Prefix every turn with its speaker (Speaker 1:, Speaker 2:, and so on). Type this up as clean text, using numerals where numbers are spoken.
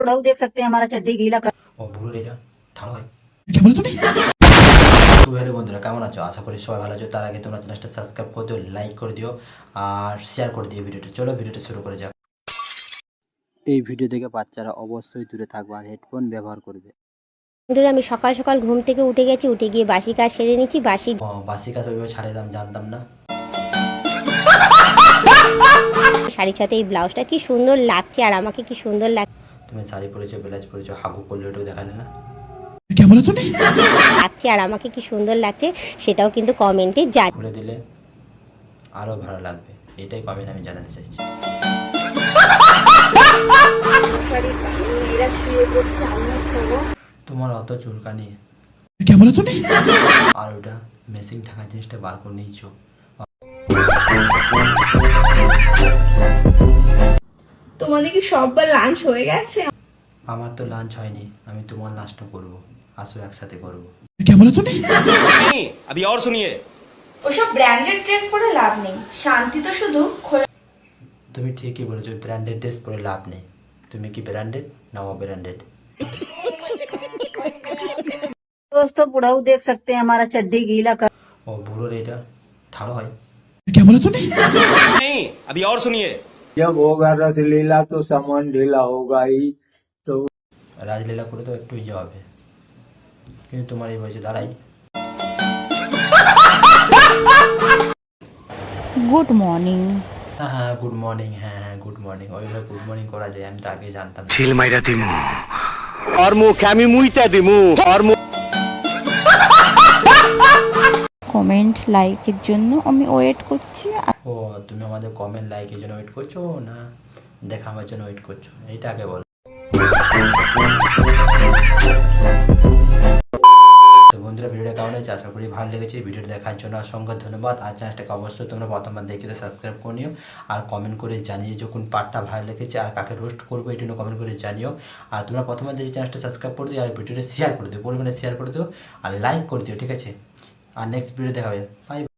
Speaker 1: लोग देख सकते हैं हमारा चड्डी गीला कर।
Speaker 2: ও ভুলো এটা ঠাড়ো হয়।
Speaker 3: क्या बोला तूने?
Speaker 2: তো হ্যালো বন্ধুরা, কেমন আছো? আশা করি সবাই ভালো আছো। তার আগে তোমরা চ্যানেলটা সাবস্ক্রাইব করে দিও, লাইক করে দিও আর শেয়ার করে দিও ভিডিওটা। চলো ভিডিওটা শুরু করে যাক। এই ভিডিও থেকে বাচ্চারা অবশ্যই দূরে থাকবে আর হেডফোন ব্যবহার করবে।
Speaker 4: বন্ধুরা আমি সকাল সকাল ঘুম থেকে উঠে গেছি, উঠে গিয়ে বাসি কাজ সেরে নিচ্ছি।
Speaker 2: বাসি কাজ ওইভাবে ছাড়িয়ে দাম জানতাম না।
Speaker 4: শাড়ির সাথে এই ব্লাউজটা কি সুন্দর লাগছে আর আমাকে কি সুন্দর
Speaker 2: তুমি শাড়ি পরেছো, ব্লাউজ পরেছো, হাগু করলে ওটাও দেখালে না।
Speaker 3: क्या बोला तूने?
Speaker 4: লাগছে আর আমাকে কি সুন্দর লাগছে সেটাও কিন্তু কমেন্টে জানি।
Speaker 2: খুলে দিলে আরো ভালো লাগবে, এটাই কমেন্ট আমি জানাতে চাইছি। তোমার অত চুলকানি
Speaker 3: क्या बोला तूने?
Speaker 2: আর ওটা মেশিন থাকা জিনিসটা বার করে নিয়েছো।
Speaker 5: তোমাদের কি সববার লাঞ্চ হয়ে গেছে?
Speaker 2: আমার তো লাঞ্চ হয়নি, আমি তোমার লাঞ্চটা করবো। আসো একসাথে করবো।
Speaker 3: क्या बोला तूने?
Speaker 6: नहीं अभी और सुनिए।
Speaker 5: ওসব ব্র্যান্ডেড ড্রেস পরে লাভ নেই, শান্তি তো শুধু খোলা।
Speaker 2: তুমি ঠিকই বলেছো, ব্র্যান্ডেড ড্রেস পরে লাভ নেই। তুমি কি ব্র্যান্ডেড না অব্র্যান্ডেড?
Speaker 1: दोस्तों बुढ़ऊ देख सकते हैं हमारा चड्डी गीला कर।
Speaker 2: ও বুড়োর এটা ঠাড়ো হয়।
Speaker 3: क्या बोला तूने?
Speaker 6: नहीं अभी और सुनिए।
Speaker 7: जब होगा रसलीला तो सामान ढीला होगा ही। तो
Speaker 2: রাজলীলা করে তো একটু ইয়ে হবে, কিন্তু তোমার এই বয়সে দাঁড়াই।
Speaker 8: Good morning.
Speaker 2: হ্যাঁ হ্যাঁ গুড মর্নিং, হ্যাঁ হ্যাঁ গুড মর্নিং। ওইভাবে গুড মর্নিং করা যায়, আমি তো আগে জানতাম না।
Speaker 9: ছিল মাইরা দিমু আর মুখে আমি মুইতা দিমু আর
Speaker 8: কমেন্ট লাইকের জন্য আমি ওয়েট করছি।
Speaker 2: ও তুমি আমাদের কমেন্ট লাইকের জন্য ওয়েট করছো না দেখাবার জন্য ওয়েট করছো, এইটা আগে বলো। তো বন্ধুরা ভিডিওটা কেমন হয়েছে? আশা করি ভালো লেগেছে। ভিডিওটা দেখার জন্য অসংখ্য ধন্যবাদ। আর চ্যানেলটাকে অবশ্যই তোমরা প্রথমবার দেখে তো সাবস্ক্রাইব করে নিও আর কমেন্ট করে জানিয়ে যে কোন পার্টটা ভালো লেগেছে আর কাকে রোস্ট করবো এই জন্য কমেন্ট করে জানিও। আর তোমরা প্রথমবার দেখে চ্যানেলটা সাবস্ক্রাইব করে দিও আর ভিডিওটা শেয়ার করে দিও, পরিমাণে শেয়ার করে দিও আর লাইক করে দিও, ঠিক আছে? আর নেক্সট ভিডিও দেখাবে। বাই।